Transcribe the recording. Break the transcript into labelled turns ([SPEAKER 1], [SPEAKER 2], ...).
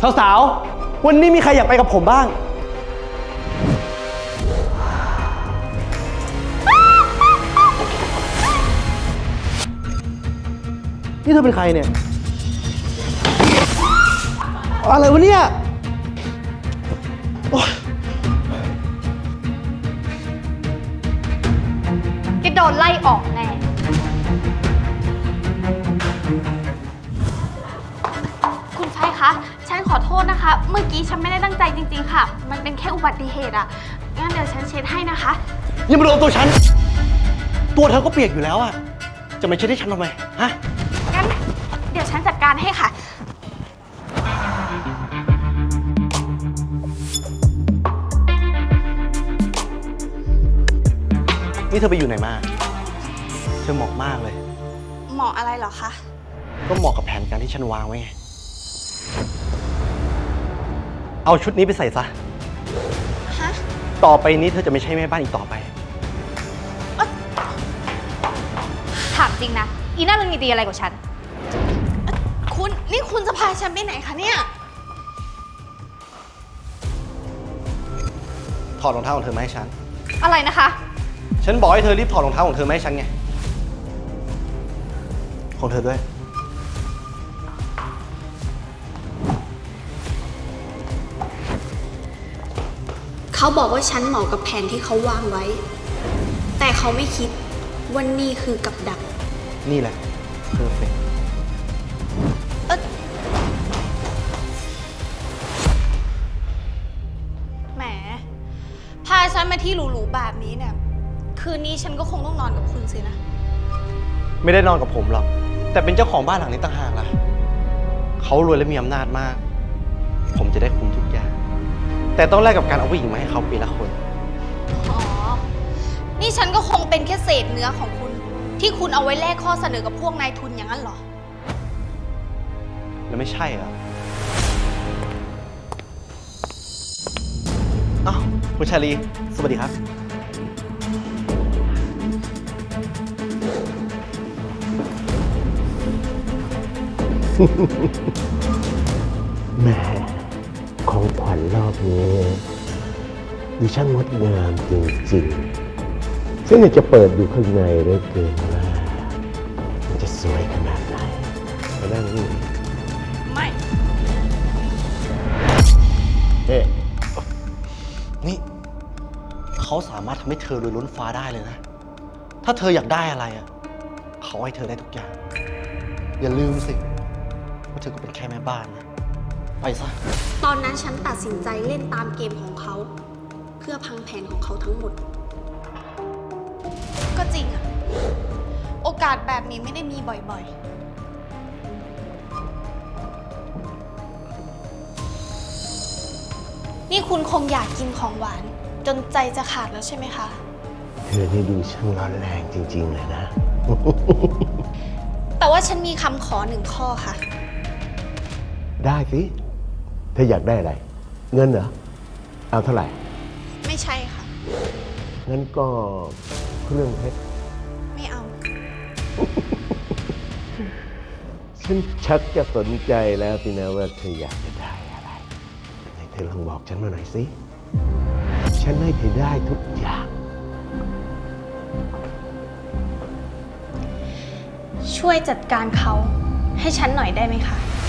[SPEAKER 1] สาวๆวันนี้มีใครอยากไปกับผมบ้างนี่เธอเป็นใครเนี่ยอะไรวะเนี่ย
[SPEAKER 2] แกโดนไล่ออกแน่คุณชายคะ ฉันขอโทษนะคะ เมื่อกี้ฉันไม่ได้ตั้งใจจริงๆค่ะ มันเป็นแค่อุบัติเหตุอะงั้นเดี๋ยวฉันเช็ดให้นะคะ
[SPEAKER 1] อย่ามาโดนตัวฉันตัวเธอก็เปียกอยู่แล้วอะจะมาเช็ดให้ฉันทำไมฮะ
[SPEAKER 2] งั้นเดี๋ยวฉันจัดการให้ค่ะ
[SPEAKER 1] นี่เธอไปอยู่ไหนมาเธอเหมาะมากเลย
[SPEAKER 2] เหมาะอะไรเหรอคะ
[SPEAKER 1] ก็เหมาะกับแผนการที่ฉันวางไว้ไงเอาชุดนี้ไปใส่ซะ
[SPEAKER 2] ฮะ
[SPEAKER 1] ต่อไปนี้เธอจะไม่ใช่แม่บ้านอีกต่อไป
[SPEAKER 2] ถามจริงนะ อีน่ามันมีดีอะไรกว่าฉัน นี่คุณจะพาฉันไปไหนคะเนี่ย
[SPEAKER 1] ถอดรองเท้าของเธอมาให้ฉัน
[SPEAKER 2] อะไรนะคะ
[SPEAKER 1] ฉันบอกให้เธอรีบถอดรองเท้าของเธอมาให้ฉันไง ของเธอด้วย
[SPEAKER 3] เขาบอกว่าฉันเหมาะกับแผนที่เขาวางไว้ แต่เขาไม่คิดว่านี่คือกับดัก
[SPEAKER 1] นี่แหละเพอร์เฟกต์
[SPEAKER 2] แหม พาฉันมาที่หรูๆแบบนี้เนี่ย คืนนี้ฉันก็คงต้องนอนกับคุณสินะ
[SPEAKER 1] ไม่ได้นอนกับผมหรอก แต่เป็นเจ้าของบ้านหลังนี้ต่างหากล่ะ เขารวยและมีอำนาจมาก ผมจะได้คุมทุกอย่าง แต่ต้องแลกกับการเอาผู้หญิงมาให้เขาปีละคน
[SPEAKER 2] อ๋อ นี่ฉันก็คงเป็นแค่เศษเนื้อของคุณ ที่คุณเอาไว้แลกข้อเสนอกับพวกนายทุนอย่างนั้นเหรอ
[SPEAKER 1] แล้วไม่ใช่เหรออ้าวคุณชาลี สวัสดีครับ
[SPEAKER 4] แหม่ของขวัญรอบนี้ดูช่างงดงามจริงๆฉันอยากจะเปิดดูข้างในเหลือเกินว่ามันจะสวยขนาดไหนมานั่งนี่
[SPEAKER 2] ไม่
[SPEAKER 4] เอ๊ะ
[SPEAKER 1] นี่ เขาสามารถทำให้เธอรวยล้นฟ้าได้เลยนะ ถ้าเธออยากได้อะไรอ่ะ เขาให้เธอได้ทุกอย่าง อย่าลืมสิว่าเธอก็เป็นแค่แม่บ้านนะ ไปซะ
[SPEAKER 3] ตอนนั้นฉันตัดสินใจเล่นตามเกมของเขา เพื่อพังแผนของเขาทั้งหมด
[SPEAKER 2] ก็จริงอะโอกาสแบบนี้ไม่ได้มีบ่อยๆ นี่คุณคงอยากกินของหวาน จนใจจะขาดแล้วใช่ไหมคะ
[SPEAKER 4] เธอนี่ดูช่างร้อนแรงจริงๆเลยนะ
[SPEAKER 2] แต่ว่าฉันมีคำขอหนึ่งข้อค่ะ
[SPEAKER 4] ได้สิเธออยากได้อะไร เงินเหรอ เอาเท่าไหร่
[SPEAKER 2] ไม่ใช่ค่ะ
[SPEAKER 4] งั้นก็เครื่องเพชร
[SPEAKER 2] ไม่เอา
[SPEAKER 4] ฉันชักจะสนใจแล้วสินะว่าเธออยากจะได้อะไรไหนเธอลองบอกฉันมาหน่อยสิ ฉันให้เธอได้ทุกอย่าง
[SPEAKER 2] ช่วยจัดการเขาให้ฉันหน่อยได้ไหมคะ